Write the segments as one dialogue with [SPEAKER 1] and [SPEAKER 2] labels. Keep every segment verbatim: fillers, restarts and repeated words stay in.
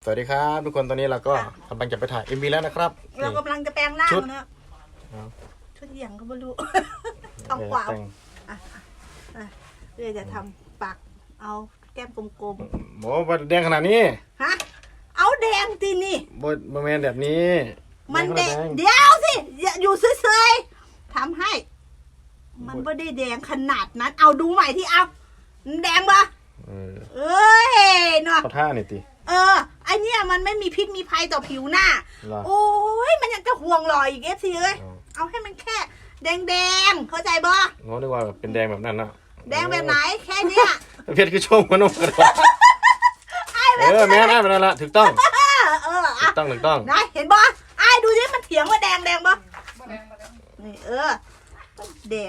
[SPEAKER 1] สวัสดีครับทุกคนตอนนี้เราก็กำลังจะไปถ่าย เอ็ม วี แล้วนะครับ
[SPEAKER 2] เรากำลังจะแปลงร่าง
[SPEAKER 1] ชุด
[SPEAKER 2] เนอะ
[SPEAKER 1] ครับ
[SPEAKER 2] ชุดอย่างก็ไม่รู้ ทองกวาว
[SPEAKER 1] แต่ง
[SPEAKER 2] อ่ะอ่ะเดี๋ยวจะทำปากเอาแก้มกลม
[SPEAKER 1] โอ้บแดงขนาดนี้
[SPEAKER 2] ๆฮะเอาแดงทีนี่
[SPEAKER 1] บดแมนแบบนี้
[SPEAKER 2] มันแดง
[SPEAKER 1] แดง
[SPEAKER 2] เดี๋ยวสิอย่าอยู่เฉยๆทำให้ มันไม่ได้แดงขนาดนั้น เอาดูใหม่ที่เอามันแดงปะ
[SPEAKER 1] เออ
[SPEAKER 2] เอ้ยเนาะ
[SPEAKER 1] เขาท่าหน่อยติ
[SPEAKER 2] เออไอเนี้ยมันไม่มีพิษมีภัยต่อผิวหน้า
[SPEAKER 1] เหรอ
[SPEAKER 2] โอ้ยมันยังจะห่วงรอยอีกเอฟซีเอ้ย
[SPEAKER 1] อ๋อ
[SPEAKER 2] เอาให้มันแค่แดงๆเข้าใจบ่
[SPEAKER 1] โน้ตนึกว่าเป็นแดงแบบนั้นนะ
[SPEAKER 2] แดงแบบไหนแค่เนี้ย
[SPEAKER 1] เพชรคือชมกันนุ่มกันเออแม่ได้แบบนั้นละถูกต้อง
[SPEAKER 2] เออเออ
[SPEAKER 1] ถู
[SPEAKER 2] อ่ะ
[SPEAKER 1] กต้องถูกต้อง
[SPEAKER 2] นะเห็นบ่ไอ้ดูดิมันเถียงว่าแดงแดงบ่นี่เออแดง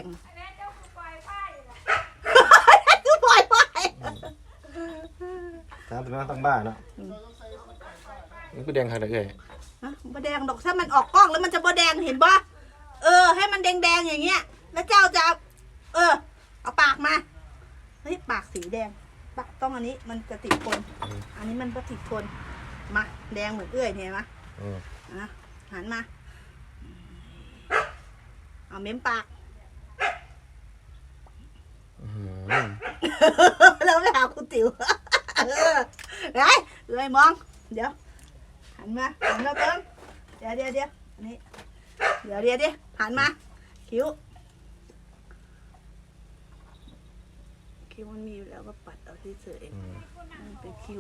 [SPEAKER 2] คือปล่อยไป
[SPEAKER 1] ตามตัวนั้นตั้งบ้านเนาะนี่คือแดงขนาดไหนเอ่ย
[SPEAKER 2] ฮะบ่แดงดอกถ้ามันออกกล้องแล้วมันจะบ่แดงเห็นบ่เออให้มันแดงๆอย่างเงี้ยแล้วเจ้าจะเอาเออเอาปากมาเฮ้ยปากสีแดงปากต้องอันนี้มันจะติดทนอันนี้มันก็ติดทนมาแดงเหมือนเอื้อยเนี่ยมะ
[SPEAKER 1] อืม
[SPEAKER 2] อ่ะหันมาเอาเม้มปาก
[SPEAKER 1] อื้อหือ
[SPEAKER 2] แล้วไปหาคุณติ๋วเออไงเลยมอง เดี๋ยว หันมาหันมาเติมเดี๋ยวเดี๋ยวเดี๋ยวนี่เดี๋ยวเดี๋ยวเดี๋ยวหันมา คิ้ว คิ้วมันมีอยู่แล้วก็ปัดเอาที่เฉย
[SPEAKER 1] อืม
[SPEAKER 2] มันเป็นคิ้ว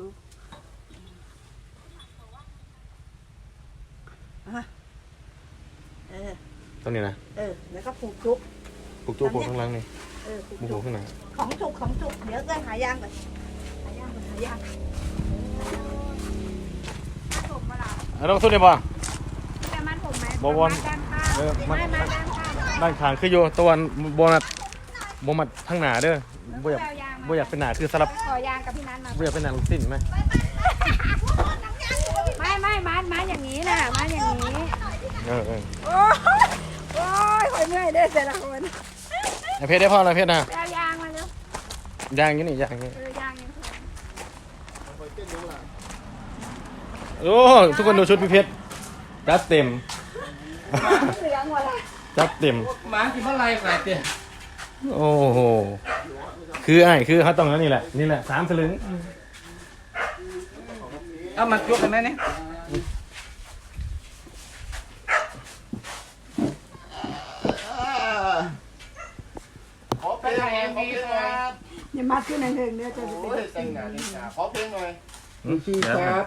[SPEAKER 2] อ่ะเออ
[SPEAKER 1] ตรงนี้นะ
[SPEAKER 2] เออ แล้วก็ผูกจุก
[SPEAKER 1] ปลูกตัวปลูกข้างหล่างนี่
[SPEAKER 2] เออผูก
[SPEAKER 1] ปลูก
[SPEAKER 2] จุก
[SPEAKER 1] ข้างหน้า
[SPEAKER 2] ของจุกของจุกเดี๋ยวเอ้ยหายางก่อนหายางก่อนหายาง
[SPEAKER 3] ผมมาละ
[SPEAKER 1] อ่ะต้องสู้ได้ป่ะ
[SPEAKER 3] แต่มันผมไหม
[SPEAKER 1] บ่วน
[SPEAKER 3] ด้านข้าง
[SPEAKER 1] เออมัน
[SPEAKER 3] ไม่มาด้านข้าง
[SPEAKER 1] ด้านข้างคืออยู่ตะวันบนัดบมัดทางหน้าเด้อบ่อยาก
[SPEAKER 3] แววยางมา
[SPEAKER 1] บ่อยากเป็นหน้าคือสลับ
[SPEAKER 3] ขอยางกับพี่นัทมา
[SPEAKER 1] บ่อยากเป็นหน้าลูกสิ้นไหม
[SPEAKER 3] ไม่ไม่มัดมัดอย่างนี้น่ะมัดอย่างนี้
[SPEAKER 1] เออเออ
[SPEAKER 3] โอ้ยโอ้ยคอยเมื่อยเด้อแต่ละคน
[SPEAKER 1] ไอเพชรได้พ่ออะไรเพชรนะ
[SPEAKER 3] แววยางมาเร็วย
[SPEAKER 1] างอย่างนี้นี่ยางอย่างนี้
[SPEAKER 3] เออยางยังพอ
[SPEAKER 1] โอ้ทุกคนดูชุดพี่เพชรจัดเต็ม
[SPEAKER 3] เหลืองหมดละ
[SPEAKER 1] จัดเต็ม
[SPEAKER 4] หมากินเมื่อไรขนาดเตี้ย
[SPEAKER 1] โอ้โหคือไอ้คือเขาต้องแล้วนี่แหละนี่แหละสามสลึง
[SPEAKER 4] เอามาจุกกันไหมเนี่ย
[SPEAKER 5] ขอเพลงหน่อยขอเพลงหน่อย
[SPEAKER 3] อย่ามัดขึ้นในเถิงเด้อจะ
[SPEAKER 5] โอ้ยแต่งหน้าแต่งหน้าขอเพลงหน่อย
[SPEAKER 6] พี่ครับ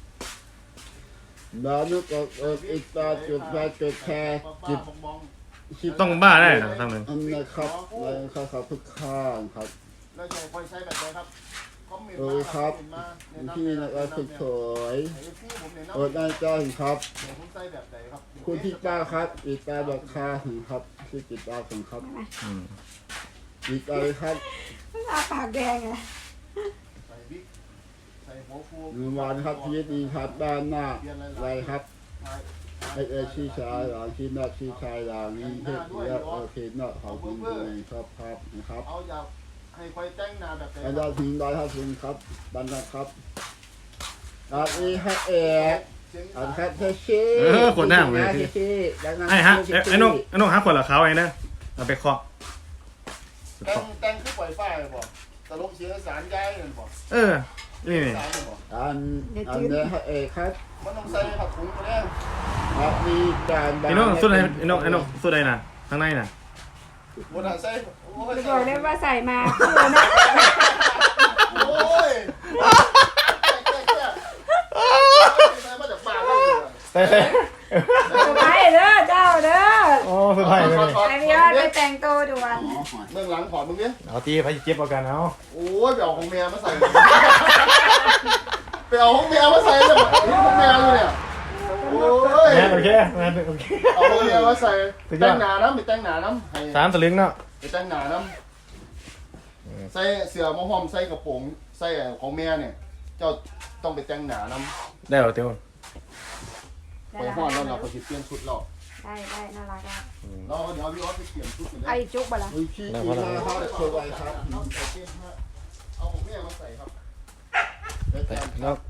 [SPEAKER 6] ดาวนึกออกเอออีกตาจุดไฟจุดแคร์จิบ
[SPEAKER 5] มอง
[SPEAKER 6] ชิบ
[SPEAKER 1] ต้องบ้าได้นะทำหนึ่ง
[SPEAKER 6] อันนะครับอะไรครับครับทุกข้างครับ
[SPEAKER 5] แล้วจะคอยใช้แบบไหนครับคอมเมนต์
[SPEAKER 6] เอ
[SPEAKER 5] มา
[SPEAKER 6] อครับ
[SPEAKER 5] คอมเมนต์มาแนะนำ
[SPEAKER 6] พี่นะครับสุดสวย
[SPEAKER 5] ไอ้พี่ผมเนี่ยนะ
[SPEAKER 6] เออได้จ้าครับ
[SPEAKER 5] เดี๋ยวผมใส่แบบไหนครับ
[SPEAKER 6] คุณพี่ป้าครับอีกตาแบบคาถึงครับชื่อจิตตาของครับ
[SPEAKER 1] อืม
[SPEAKER 6] อีกตาเลยครับ
[SPEAKER 3] ตาปากแดงไง
[SPEAKER 5] ใส่บิ๊กใส่หัวฟู
[SPEAKER 6] หนึ่งวันครับชีวิตดีครับด้านหน้าอะไรครับ
[SPEAKER 5] ถ่าย
[SPEAKER 6] ไอเออชี้ชายหลังชี้หน้าชี้ชายหลังนี้เฮ็ดเยอะโอเคเนาะขอบคุณด้วยครับครับนะครับ
[SPEAKER 5] เอาอยากให้คอยแต่งหน้าแบบไหน
[SPEAKER 6] อา
[SPEAKER 5] ค
[SPEAKER 6] จา
[SPEAKER 5] รั
[SPEAKER 6] ร
[SPEAKER 5] บ
[SPEAKER 6] ย์ทิ้งได้ครับคุณครับดันนะครับอาอีให้เอก
[SPEAKER 5] เสียง
[SPEAKER 6] อัน
[SPEAKER 5] สา
[SPEAKER 6] ครั
[SPEAKER 5] ย
[SPEAKER 6] บเทชี่
[SPEAKER 1] เออขวดหน้าผมเลย
[SPEAKER 6] เทชี่ดังนั้น
[SPEAKER 1] ไอ้ฮะไอ้ไอ้น้องไอ้น้องหาขวดเหรอเขาไอ้นะเอาไปเคาะไป
[SPEAKER 5] แต่ง
[SPEAKER 1] เคาะ
[SPEAKER 5] แต่งคือปล่อยไฟเลยบอกตลกเสียงสารย้ายนั่นบอก
[SPEAKER 1] เออนี่นี่
[SPEAKER 5] สารเลยบอก
[SPEAKER 6] อันอันนี้ให้เอกครับ
[SPEAKER 5] มันต้องใส่ผักถุงตัวเนี้ย
[SPEAKER 6] ครับมีการ
[SPEAKER 1] ไอ้น้องสุดอะไรไอ้น้องไอ้น้องสุดอะไรน่ะข้างในน่ะ
[SPEAKER 5] บนหาใส่โอ้ย
[SPEAKER 3] จะบอกได้ว่าใส่มาคือนะ
[SPEAKER 5] โอ้ยใส่มาจากปากเลย
[SPEAKER 1] ใส่ใส่
[SPEAKER 3] ไปเด้อเจ้าเด้อ
[SPEAKER 1] โอ้สุดท้ายเลยนี่
[SPEAKER 3] ไอพี่ยอดไปแต่งตัวด่วน
[SPEAKER 5] เบื้องหลังถอดมึงเนี่ย
[SPEAKER 1] เอาตีไปเจ็บเอากันเอา
[SPEAKER 5] โอ้ยไปเอาของแม่มาใส่ไปเอาของแม่มาใส่เลยนี่ของแม่อยู่เนี่ยโอ้ย
[SPEAKER 1] แมนโอเคแมนโอเค
[SPEAKER 5] เอาของแม่มาใส่แต่งหนาน้ำไปแต่งหนาน้ำให้
[SPEAKER 1] สามสลึงเนาะ
[SPEAKER 5] ไปแต่งหนาน้ำใส่เสื้อมะฮอมใส่กระโปรงใส่ของแม่เนี่ย เจ้าต้องไปแต่งหนาน้ำ
[SPEAKER 1] ได้เหรอเตียว
[SPEAKER 5] ไปห่อดแล้วเราก็สิเปลี่ยนชุดเรา
[SPEAKER 3] ได้ได้น่ารักอ่ะ
[SPEAKER 5] เราเดี๋ยวพี่ออสไปเปลี่ยนชุดกัน
[SPEAKER 3] ไอ
[SPEAKER 5] ได้
[SPEAKER 3] จุกบ่ละ
[SPEAKER 6] มีชี้ดีนะครับสวยครับ
[SPEAKER 5] เอาของแม่มาใส่ครับ
[SPEAKER 1] แล้ว